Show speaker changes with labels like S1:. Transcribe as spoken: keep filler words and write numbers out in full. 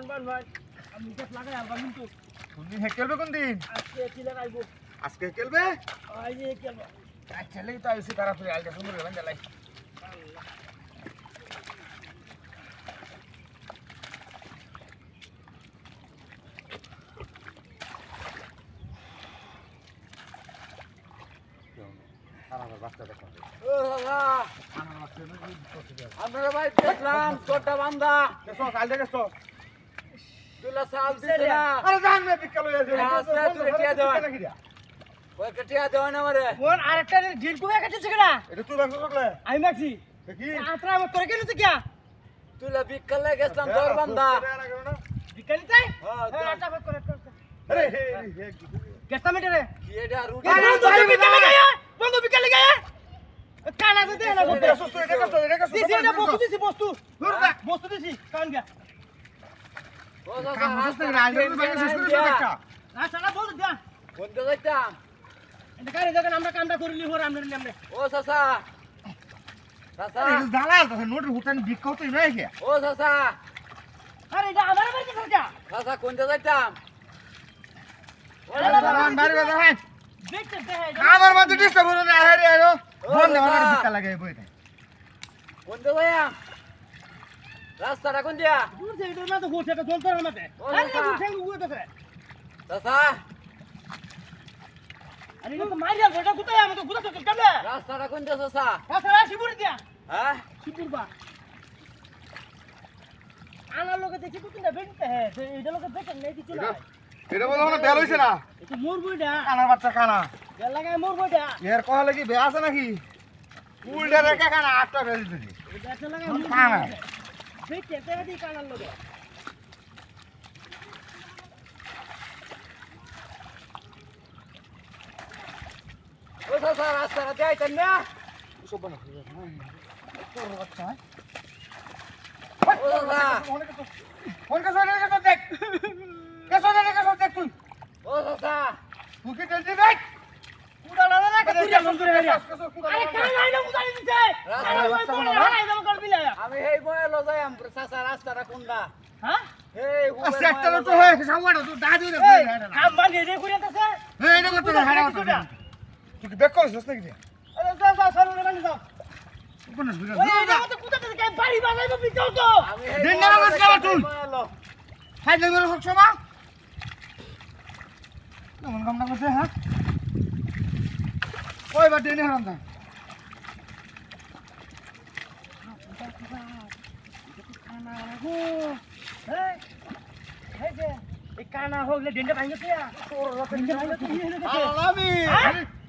S1: বান বান ভাই আমি এটা লাগাই আলবা কিন্তু
S2: কোন দিন খেলবে কোন দিন
S1: আজকে চিলা আইবো
S2: আজকে খেলবে
S1: আই যে খেলবো
S2: আচ্ছা লেই তো আইছি তাড়াতাড়ি আইটা সুন্দর করে জ্বালাই
S1: আমরা ভাই দেখলাম তোটা বান্দা
S2: কেসো কালকে কেসো
S1: তুলা সাল দিছে না
S2: আরে জান মে বিকাল হয়ে যাবে
S1: আছে তুই টিয়া দেওয়া ওই কটিয়া দেওয়া না আমারে
S3: কোন আরেকটা ঢিল কুয়া কাটছে কেডা
S2: এটা তুই বাংলা করলে
S3: আমি মাছি
S2: কি
S3: আত্রা আমার তোরে কেন তো কিয়া
S1: তুলা বিকালে গেছলাম তোর বান্দা
S3: বিকালি তাই
S1: হ্যাঁ
S3: হ্যাঁ আটা ভাগ করে
S2: আরে হে হে
S3: গেস্তা মিটারে
S1: কি এটা রুটি
S3: বন্ধু বিকালে গায়া বন্ধু বিকালে গায়া কানা তো দে না বন্ধু
S2: কেসো এটা কেসো এটা কেসো
S3: দিছি এটা বস্তু দিছি বস্তু বস্তু দিছি কান গা
S1: ও দাদা
S2: কাম হচ্ছে না আজ বাংলা শেষ করে দেখা
S3: না সালা বল দা
S1: কোনটা যাইতাম
S3: এটা কারে দেখেন আমরা কামটা করিলি হর আমরা নিলাম রে
S1: ও চাচা চাচা
S2: এটা জালা তো নোট হুটান বিকাও তো নাই কি
S1: ও চাচা
S3: আরে এটা আমার বাড়িতে থাকা
S1: চাচা কোনটা যাইতাম
S2: জালান বাড়ি বাজা হয়
S3: দেখতে দেখে
S2: আমার মধ্যে ডিস্টার্ব হলো না আরে আরে ফোন না আমার বিকা লাগে বইতে
S1: কোনটা যাইয়াম রাস্তাটা কোন দিয়া
S3: দূর থেকে এটা না তো গোছে এটা চলতে হবে আমাদের
S1: ও
S3: আরে
S1: বাবা।
S3: দূর থেকে গুয়ে দেবে
S1: চাচা
S3: আরে এটা তো মাইরা গোটা গুতায় আমি তো গুতা তো কেমনে
S1: রাস্তাটা কোন দিয়া চাচা
S3: তাছাড়া শিবুরি দিয়া
S1: হ্যাঁ
S3: শিবুরবা আনার লোকে দেখি তো কিনা বেনতে হ্যাঁ এটা লোকে দেখেন নাই কিছু না
S2: এটা বলে না বেল হইছে না
S3: এটা মোর বইটা
S2: কানার বাচ্চা কানা
S3: বেল লাগায় মোর বইটা
S2: এর কহ লাগি বে আছে নাকি উল্টা রেখা কানা আটটা বেল দিছি
S3: এটা একটা লাগায়
S2: কোন
S3: মোর
S2: কানা?
S3: বইটা দেখতে দেখা দি কানার লোকে
S1: ও চাচা রাস্তাটা যাইতেন না
S2: সব বানা তোর বাচ্চা
S1: ও চাচা
S2: ফোন কাছে রে কাছে দেখ কাছে রে কাছে দেখ তুই
S1: ও চাচা
S2: তুই কি টেনশন দেখ
S3: কুড়া লাগা না কুড়া মন করে হারিয়া আরে
S2: আরে
S3: কানা আইনা বুঝাই দিছে
S1: রাস্তা
S3: আরে ওই
S2: রাস্তা
S3: বড়
S2: বানা।
S3: হারাই দাম করবি না
S1: আমি হেই বয়ে লো যাইয়াম চাচা রাস্তাটা কোনটা
S3: হ্যাঁ
S1: হেই
S2: আচ্ছা একটা তো হয়ে সামনে তো দাদু রে
S3: এই কাম বানি রে কইতাছে
S2: এই এটা করতে হারা তুই কি বেক করছিস নাকি
S3: আরে যা যা সরু রে বানি যাও
S2: কোন সুবিধা
S3: ওই এটা মত কুতাতে কাই বাড়ি বানাইবো বিকাও তো
S1: আমি হেই
S2: দিন না আমার কালা তুই। হাই দেই মেরে হচ্ছে মা কেমন কামনা করছে হ্যাঁ ওই বা দেনে হারাম দা
S3: এই এই যে এই কানা হোগলে ডেন্ডা ভাঙিছে তোর রতন ভাঙিছে
S2: আলামি